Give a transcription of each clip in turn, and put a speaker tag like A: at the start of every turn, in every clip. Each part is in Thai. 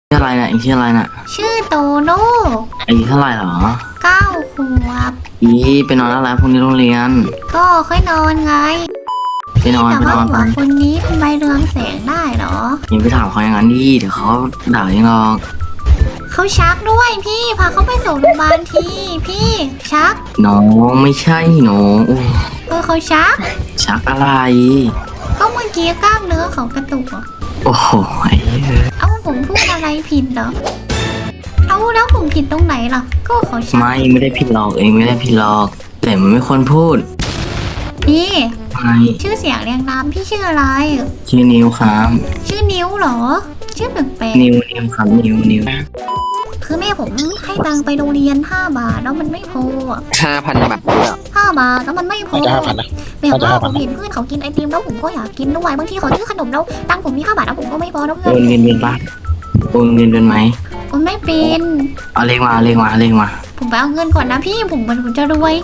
A: ชื่ออะไรน่ะเองชื่ออะไรน่ะ
B: ชื่อโตโน่
A: อายุเท่าไหร่หรอ
B: 9 ขวบ
A: ไปนอนแล้วพรุ่งนี้โรงเรียน
B: ก็ค่อยนอนไง
A: ไปนอน
B: แต่ว่าหั
A: ไป
B: วคนนี้ทำไมเรืองแสงได้เหรอ
A: ยังไปถามเขาอย่างนั้นดิเดี๋ยวเขาด่ายังหรอก
B: เขาชักด้วยพี่พาเขาไปส่งโรงพยาบาลทีพี่ชัก
A: น้องไม่ใช่น้อง
B: เขาชัก
A: ชักอะไร
B: ก็เมื่อกี้กล้ามเนื้อเขากระตุกอ่ะ
A: โอ้โห
B: เอ้าผมพูดอะไรผิดเหรอเอ้าแล้วผมผิดตรงไหนล่ะก็เขาชัก
A: ไม่ได้ผิดหรอกเองไม่ได้ผิดหรอกแต่มันไม่ควรพูด
B: พี่
A: ไม่
B: ชื่อเสียงเรียงนามพี่ชื่ออะไร
A: ชื่อนิวครับ
B: ชื่อนิ้วเหรอชื่อแปลก
A: นิวครับนิว
B: คือแม่ผมให้ตังค์ไปโรงเรียน5 บาทแล้วมันไม่พอ
C: 5,000 บาท
B: 5 บาทแล้วมันไม่พอ
C: จะ5,000นะ
B: แบบว่าผมเห็นเพื่อนเขากินไอติมแล้วผมก็อยากกินด้วยบางทีเขาซื้อขนมแล้วตังค์ผมมี5 บาทแล้วผมก็ไม่พอแล้วเพื่อน
A: โอนเงินเป็นปะโอนเงินเป็นไหม
B: โอนไม่เป็น
A: เอาเลขมา
B: ผมไปเอาเงินก่อนนะพี่ผมจะรวย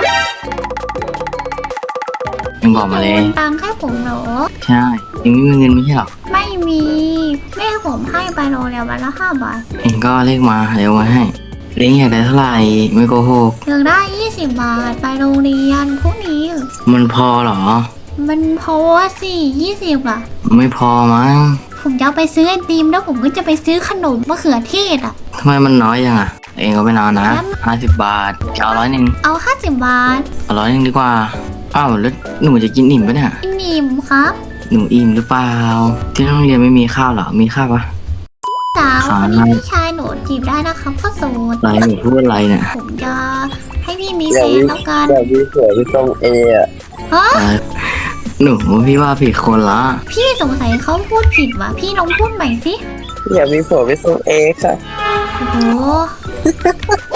A: ยังบอกมาเลย
B: โอนตังค์ให้ผมเหรอ
A: ใช่ยังไม่มีเงินไม่ใช่หรอ
B: ไม่มีแม่ผมให้ไปโรงเรียนวันละ5 บาท
A: เองก็เลขมาเดี๋ยวมาให้เลี้ยงอยากได้เท่าไหร่ไม่โกหก
B: อยากได้20 บาทไปโรงเรียนพรุ่งนี้
A: มันพอหรอ
B: มันพอสิ20อ่ะ
A: ไม่พอมั้ง
B: ผมจะไปซื้อไอติมแล้วผมก็จะไปซื้อขนมมะเขือเทศอ่ะ
A: ทำไมมันน้อยจังอ่ะเองก็ไปนอนนะ50 บาทจะเอา100
B: เอา50 บาท
A: เอา100ดีกว่าอ้าวแล้วหนูจะกินอิ่มปะเนี่ย
B: อิ่มครับ
A: หนูอิ่มหรือเปล่าที่โรงเรียนไม่มีข้าวหรอมีข้าวปะ
B: สาวคนนี้พี่ชายหนูจีบได้นะครับข้าวโสด
A: อะไรหนูพูดอะไรเนี่ย
B: ผมจะให้พี่มีแฟนแล้วกัน
C: อยากมีผัวพี่ต้องอะ
B: ฮะ
A: หนูพี่ว่าผิดคนละ
B: พี่สงสัยเขาพูดผิดว่ะพี่ลองพูดใหม่สิ
C: อยากมีผัวพี่ต้องค่ะ
B: โอ้โห